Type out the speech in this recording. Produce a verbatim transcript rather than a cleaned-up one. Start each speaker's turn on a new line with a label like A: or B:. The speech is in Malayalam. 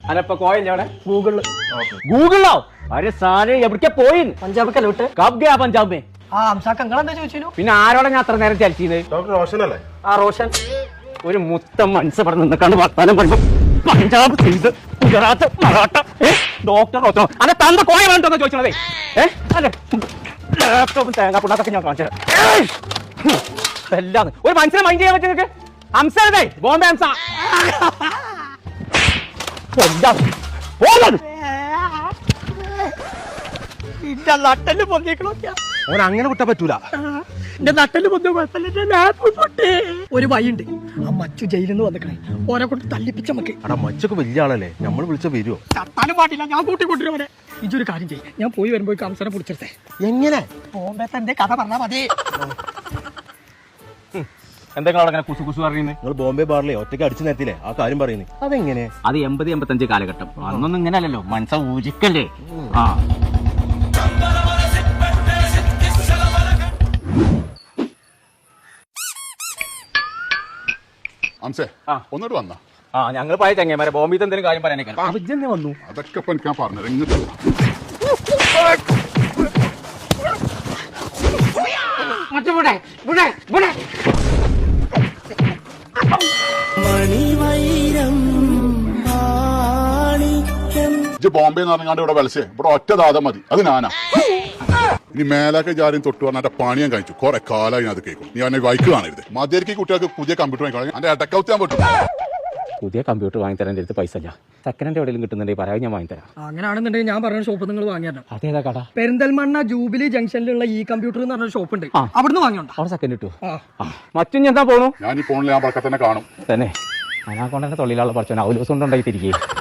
A: അനപ്പ കോയല്ലേ അവിടെ ഗൂഗിളില് ഗൂഗിളിലോ അരെ സാധനം എവിടേക്കാ പോയി
B: പഞ്ചാബിക്കല്ലോട്ട്
A: കബ് ഗയാ പഞ്ചാബ് മേ
B: ആ അംസാക്ക് നിങ്ങളെന്താ ചോദിച്ചു
A: പിന്നെ ആരോടെ ഞാൻ അത്ര നേരം ചലിച്ചത്
C: ഡോക്ടർ റോഷനല്ലേ?
B: ആ റോഷൻ
A: ഒരു മുത്തം മനസ്സ് ഇവിടെ നിന്നിക്കാണ്ട് വർത്താനം പറയുമ്പോ പഞ്ചാബ് സിന്ധ് ഗുജറാത്ത് മറാഠ ഡോക്ടർ ഡോക്ടർ അതെ തന്റെ കോയ വേണ്ടോന്ന് ചോദിച്ചതേ ഏഹ് അല്ലെ ലാപ്ടോപ്പും തേങ്ങാപ്പുണ്ണാക്കൊക്കെ ഞാൻ കാണിച്ചത് എല്ലാന്ന് ഒരു മനസ്സിനെ മൈൻഡ് ചെയ്യാൻ പറ്റും നിങ്ങൾക്ക് ഹംസേ ബോംബെ ഹംസ
B: എന്റെ നട്ടല് പൊന്തിക്കണോ
C: അവൻ അങ്ങനെ വിട്ടാ പറ്റൂല.
B: എന്റെ നട്ടല് പൊന്തിയ കുഴപ്പമില്ല ഒരു വഴിയുണ്ട് ആ മച്ചു ജയിലിൽ നിന്ന് വന്നിക്കണേ ഓനെ കൊണ്ട് തല്ലിപ്പിച്ച നമുക്ക്
C: അടാ മച്ചൊക്കെ വലിയ ആളല്ലേ, നമ്മൾ വിളിച്ച വരുമോ?
B: ചത്താനും പാട്ടില്ല, ഞാൻ കൂട്ടിക്കൊണ്ടിരുവനെ. ഇതൊരു കാര്യം ചെയ്യും, ഞാൻ പോയി വരുമ്പോ കംസനെ പിടിച്ചെടുത്തേ.
C: എങ്ങനെ?
B: ബോംബെ തന്റെ കഥ പറഞ്ഞാ മതി.
A: എന്തെങ്കിലും അവിടെ കുസു കുസു പറയുന്നത്?
C: നിങ്ങൾ ബോംബെ ബാറിലെ ഒറ്റയ്ക്ക് അടിച്ചു നേരത്തില്ലേ ആ കാര്യം പറയുന്നത്? അതെങ്ങനെ?
A: അത് എൺപത് എൺപത്തഞ്ച് കാലഘട്ടം, അന്നൊന്നും ഇങ്ങനെ അല്ലല്ലോ, മനസ്സ ഊജിക്കല്ലേ. ആ
D: ഒന്നോട്ട് വന്ന
A: ആ ഞങ്ങൾ പോയ ചങ്ങന്മാരെ ബോംബെ എന്തെങ്കിലും കാര്യം പറയാനേക്കാണ്
C: അവിജന്നെ വന്നു.
D: അതൊക്കെ ഇപ്പൊ എനിക്ക് പറഞ്ഞത് ഇങ്ങോട്ട് ബോംബെ എന്ന് പറഞ്ഞാണ്ട് ഇവിടെ വിളിച്ചേ ഇവിടെ ഒറ്റ ദാതം മതി, അത് ഞാനാ. ഇനി മേലൊക്കെ ജാരും തൊട്ട് പറഞ്ഞ പണി ഞാൻ കഴിച്ചു കുറെ കാലമായി ഞാൻ അത് കേൾക്കും. നീ അവനെ വൈക്ക് കാണരുത്. മതിയായിരിക്കും കുട്ടികൾക്ക് പുതിയ കമ്പ്യൂട്ടർ വാങ്ങിക്കണം, എന്റെ ഇടക്കൗത്താൻ പറ്റും.
A: പുതിയ കമ്പ്യൂട്ടർ വാങ്ങിത്തരാൻ എൻ്റെ അടുത്ത് പൈസ ഇല്ല, സെക്കൻഡ് ഹാൻഡ് എവിടെയും കിട്ടുന്നുണ്ടെങ്കിൽ പറയാൻ ഞാൻ വാങ്ങിത്തരാം.
B: അങ്ങനെയാണെന്നുണ്ടെങ്കിൽ ഞാൻ പറഞ്ഞ ഷോപ്പ് നിങ്ങൾ വാങ്ങിയാലോ?
A: അതേതാ കട?
B: പെരിന്തൽമണ്ണ ജൂബിലി ജംഗ്ഷനിലുള്ള ഈ കമ്പ്യൂട്ടർ എന്ന് പറഞ്ഞ ഷോപ്പ് ഉണ്ട്, അവിടുന്ന് വാങ്ങിയോണ്ടോ?
A: അവിടെ സെക്കൻഡ് കിട്ടുമോ? മറ്റും എന്താ പോണു?
D: ഞാൻ ഈ ഫോണിൽ ഞാൻ പക്കത്തന്നെ കാണും
A: തന്നെ. അനാ കൊണ്ടെന്നെ തൊള്ളിലുള്ള പഠിച്ചോ ഔലോസം കൊണ്ടുണ്ടായി തിരികെ